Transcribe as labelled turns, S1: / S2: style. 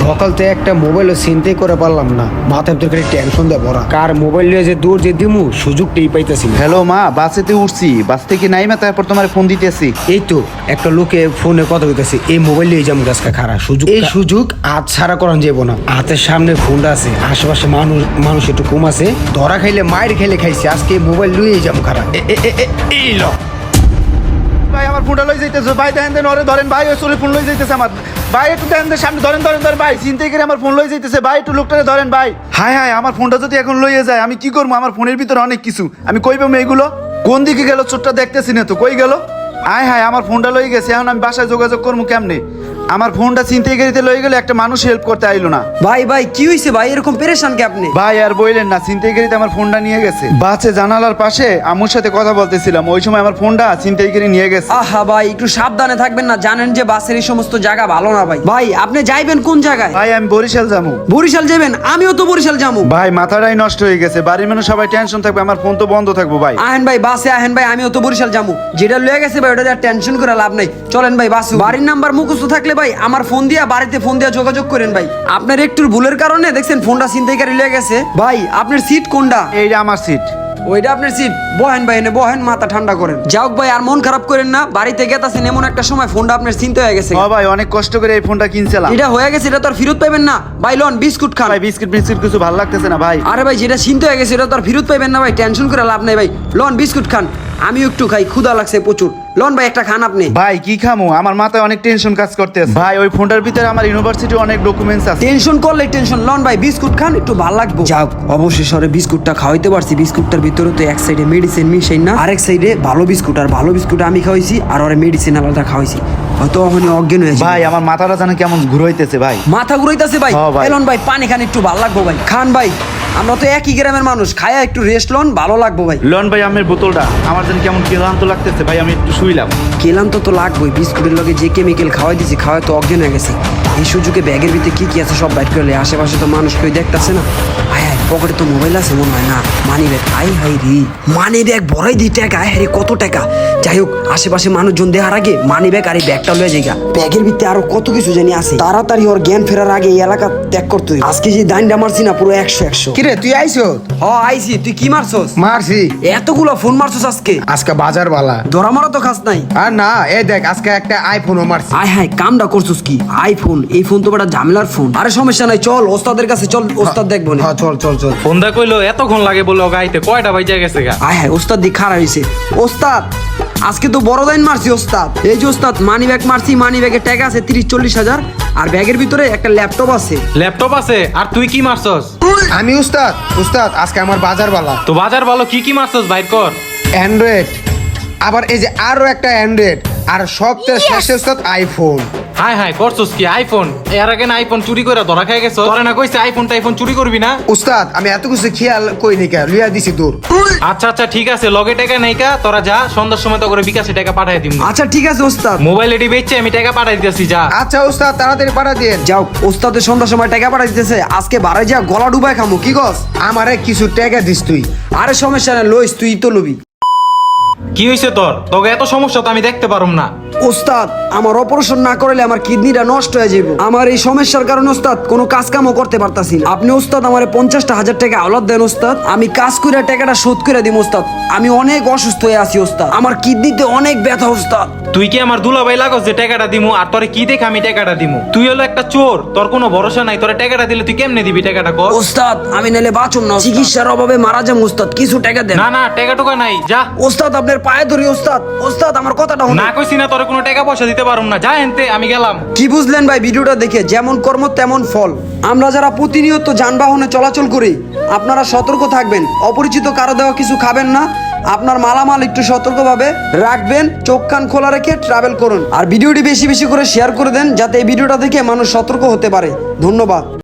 S1: সকাল থেকে একটা মোবাইলও চিন্তাই করে পারলাম না, মাথায় ভিতরে খালি টেনশন দিয়ে ভরা। কার মোবাইল নিয়ে যে দূর যে দিমু সুযোগটাই পাইতেছি না।
S2: হ্যালো মা, বাসেতে উঠছি, বাস থেকে নাইমা তারপর তোমার ফোন দিতেছি।
S1: এই তো একটা লোকে ফোনে কথা বলতেছে, এই মোবাইল নিয়ে যাবো গাছকা খারাপ সুযোগ, এই সুযোগ আজ ছাড়া করান যাবো না। হাতের সামনে ফোনটা আছে, আশেপাশে মানুষ একটু কম আছে, ধরা খাইলে মায়ের খেলে খাইছে, আজকে মোবাইল নিয়ে যাবো খারাপ। এই ল
S2: ভাই আমার ফোনটা লই যাইতেছে ভাই, দেখেন দেন ওরে ধরেন ভাই, ওই চলে ফোন লই যাইতেছে আমার ভাই, একটু দেখেন দেন সামনে ধরেন ধরেন ধরেন ভাই, চিন্তাই করে আমার ফোন লই যাইতেছে ভাই, একটু লোকটারে ধরেন ভাই। হায় হায়, আমার ফোনটা যদি এখন লইয়ে যায় আমি কি করবো? আমার ফোনের ভিতরে অনেক কিছু, আমি কই পাবো এগুলো? কোন দিকে গেল চোরটা দেখতেছি না তো, কই গেল? আয় হায়, আমার ফোনটা লই গেছে, এখন আমি বাসায় যোগাযোগ করবো কেমনে? আমার ফোনটা চিন্তাই করিতে লই গেলে একটা মানুষ হেল্প করতে আইলো না।
S3: ভাই কি হইছে ভাই, এরকম পেরেশান কে আপনি?
S2: ভাই আর বইলেন না, চিন্তাই করিতে আমার ফোনটা নিয়ে গেছে। বাসে জানালার পাশে আম্মুর সাথে কথা বলতেছিলাম, ওই সময় আমার ফোনটা চিন্তাই করে নিয়ে গেছে।
S3: আহা ভাই, একটু সাবধানে থাকবেন না, জানেন যে বাসের এই সমস্ত জায়গা ভালো না ভাই। ভাই আপনি যাইবেন কোন জায়গায়?
S2: ভাই আমি বরিশাল যাবো।
S3: বরিশাল যাবেন? আমিও তো বরিশাল যাবো।
S2: ভাই মাথাটাই নষ্ট হয়ে গেছে, বাড়ির মানুষ সবাই টেনশন থাকবে, আমার ফোন তো বন্ধ থাকবো ভাই।
S3: আহেন ভাই বাসে আহেন ভাই, আমিও তো বরিশাল যাবো। যেটা লয়ে গেছে ভাই ওটা টেনশন করে লাভ নাই, চলেন ভাই বাসে। বাড়ির নাম্বার মুখস্থ থাকলে ভাই আমার ফোন দিয়া বাড়িতে ফোন দিয়া যোগাযোগ করেন ভাই। আপনার একটু ভুলের কারণে দেখছেন ফোনটা ছিনতাইকারী লয়ে গেছে। ভাই আপনার সিট কোনটা?
S2: এইটা আমার সিট।
S3: ওইটা আপনার সিট, বহেন ভাই, এনে বহেন, মাথা ঠান্ডা করেন। যাও ভাই, আর মন খারাপ করেন না, বাড়িতে গেতাছেন এমন একটা সময় ফোনটা আপনার চিন্তা হয়ে গেছে।
S2: ও ভাই অনেক কষ্ট করে এই ফোনটা কিনছিলাম,
S3: এটা হয়ে গেছে, এটা তো আর ফেরত পাইবেন না ভাই। লন বিস্কুট খান
S2: ভাই বিস্কিট কিছু ভালো লাগতেছে না ভাই।
S3: আরে ভাই যেটা চিন্তা হয়ে গেছে এটা তো আর ফেরত পাইবেন না ভাই, টেনশন করে লাভ নাই ভাই। লন বিস্কুট খান, আমিও একটু খাই, ক্ষুধা লাগছে প্রচুর। লন ভাই একটা খান আপনি।
S2: ভাই কি খামু, আমার মাথায় অনেক টেনশন কাজ করতেছে ভাই। ওই ফোনটার ভিতরে আমার ইউনিভার্সিটি অনেক ডকুমেন্টস আছে।
S3: টেনশন করলে টেনশন, লন ভাই বিস্কুট খান, একটু ভালো লাগবে। যাক অবশেষে বিস্কুটটা খাওয়াইতে পারছি। বিস্কুটটার ভিতরে তো এক সাইডে মেডিসিন মিশাই না, আরেক সাইডে ভালো বিস্কুট, আর ভালো বিস্কুট আমি খাওয়াইছি, আর ওরে মেডিসিন আলাদা খাওয়াইছি। হয়তো ওখানে অজ্ঞান হয়েছে
S2: ভাই আমার মাথাটা যেন কেমন ঘুরাইতেছে ভাই,
S3: মাথা ঘুরাইতেছে ভাই।
S2: হ্যাঁ ভাই।
S3: এলন ভাই পানি খান, একটু ভালো লাগবো ভাই। খান ভাই, আমরা তো একই গ্রামের মানুষ, খায়া একটু রেস্ট লন, ভালো লাগবো ভাই।
S2: লন ভাই আমের বোতলটা, আমার যেন কেমন ক্লান্ত লাগতেছে ভাই, আমি একটু শুইলাম।
S3: কেলাম তো লাগবেই, বিস্কুটের লগে যে কেমিক্যাল খাওয়াই দিছি, খাওয়াই তো অজ্ঞান হয়ে গেছে। এই সুযোগে ব্যাগের ভিতরে কি আছে সব বাইর করলে, আশেপাশে তো মানুষ কেউ দেখতেছে না। আয় হায়, পকেটে তো মোবাইল আছে মনে হয় না, মানি ব্যাগ। আই হাই রে, মানি ব্যাগ ভরাই দিই টাকা। আয় হায়, কত টাকা। যাই হোক, আশেপাশে মানুষজন দেখার আগে মানি ব্যাগ আর এই ব্যাগটা লয়ে যাই। ব্যাগের ভিতরে আরো কত কিছু জানি আছে, তাড়াতাড়ি ওর জ্ঞান ফেরার আগে এই এলাকা ত্যাগ করতে হইব। আজকে যে দাইনটা মারছি না, পুরো 100
S1: কিরে তুই আইছো?
S3: হ আইছি, তুই কি মারছস?
S1: মারছি।
S3: এতগুলো ফোন মারছস আজকে?
S1: আজকে বাজার বালা।
S3: ধরা মারা তো খাস নাই।
S1: আর না, এই দেখ আজকে একটা আইফোনও মারছি।
S3: আয় হায়, কামটা করছস কি? আইফোন, এই ফোন তো বড় ঝামেলার ফোন। আরে সমস্যা নাই, চল ওস্তাদের কাছে চল, ওস্তাদ দেখবো না।
S1: হ্যাঁ চল চল চল।
S4: ফোন দা কইলো এতক্ষণ লাগে বলে গাইতে, কয়টা বাজে গেছে গা?
S3: আয় হায়, ওস্তাদ দি খারাপ হইছে। ওস্তাদ আজকে তো বড় দাইন মারছি ওস্তাদ। এই যে ওস্তাদ মানি ব্যাগ মারছি, মানি ব্যাগে টাকা আছে 30-40 হাজার, আর ব্যাগের ভিতরে একটা ল্যাপটপ আছে।
S4: ল্যাপটপ আছে? আর তুই কি মারছস?
S1: আমি উস্তাদ আজকে আমার বাজার বালা।
S4: তো বাজার ভালো, কি মারছস বাইর কর।
S1: অ্যান্ড্রয়েড, আবার এই যে আরো একটা অ্যান্ড্রয়েড, আর সবচেয়ে শেষে উস্তাদ আইফোন।
S4: হাই হাই, করছস কি? আইফোন? এর আগে না আইফোন চুরি করে ধরা খাই গেছস? তোরে না কইছে আইফোন চুরি করবি না?
S1: উস্তাদ আমি এত কিছু খেয়াল কইনি কে, লিয়া দিছি দূর।
S4: আচ্ছা ঠিক আছে, লগে টাকা নাই কা, তোরা যা, সন্ধ্যার সময় তো করে বিকাশে টাকা পাঠাই দিম।
S3: আচ্ছা ঠিক আছে ওস্তাদ,
S4: মোবাইল এডি বেচে আমি টাকা পাঠাই দিতেছি, যা।
S1: আচ্ছা উস্তাদ তাড়াতাড়ি পাঠা দিন।
S3: যাও, ওস্তাদের সন্ধ্যার সময় টাকা পাঠাই দিতেছে, আজকে বারে যা গলা ডুবাই খামু, কি গস?
S1: আমারে কিছু টাকা দিস তুই।
S3: আরে সমস্যা নাই, লইস, তুই তো লবি।
S4: কি হইছে তোর? তোকে এত সমস্যা তো আমি দেখতে পারুম না।
S3: ওস্তাদ আমার অপারেশন না করলে আমার কিডনিটা নষ্ট হয়ে যাবে। আমার এই সমস্যার কারণে ওস্তাদ কোনো কাজ কামও করতে পারতাছি না। আপনি ওস্তাদ আমার 50,000 টাকা আওলাদ দেন ওস্তাদ, আমি কাজ করে টাকাটা শোধ করে দিব ওস্তাদ। আমি অনেক অসুস্থ হয়ে আছি ওস্তাদ, আমার কিডনিতে অনেক ব্যথা ওস্তাদ।
S4: তুই কি আমার দুলাভাই লাগস যে টাকাটা দিমু? আর তোরে কি দেখে আমি টাকাটা দিমু? তুই হলো একটা চোর, তোর কোনো ভরসা নাই। তোরে টাকাটা দিলে তুই কেমনে দিবি টাকাটা কর?
S3: ওস্তাদ আমি নালে বাঁচুম না, চিকিৎসার অভাবে মারা যাম ওস্তাদ, কিছু টাকা দেন।
S4: না টাকা টুকা নাই, যা।
S3: ওস্তাদ আপনার পায়ে ধরি ওস্তাদ, ওস্তাদ আমার কথাটা
S4: না কইছি না তোরে কোনো টাকা পয়সা দিতে পারুম না, যা এনতে, আমি গেলাম।
S3: কি বুঝলেন ভাই ভিডিওটা দেখে? যেমন কর্ম তেমন ফল। আমরা যারা প্রতিনিয়ত যানবাহনে চলাচল করি, আপনারা সতর্ক থাকবেন, অপরিচিত কারো দেওয়া কিছু খাবেন না, আপনার মালামাল একটু সতর্কভাবে রাখবেন, চোখ কান খোলা রেখে ট্রাভেল করুন। আর ভিডিওটি বেশি বেশি করে শেয়ার করে দেন, যাতে এই ভিডিওটা দেখে মানুষ সতর্ক হতে পারে। ধন্যবাদ।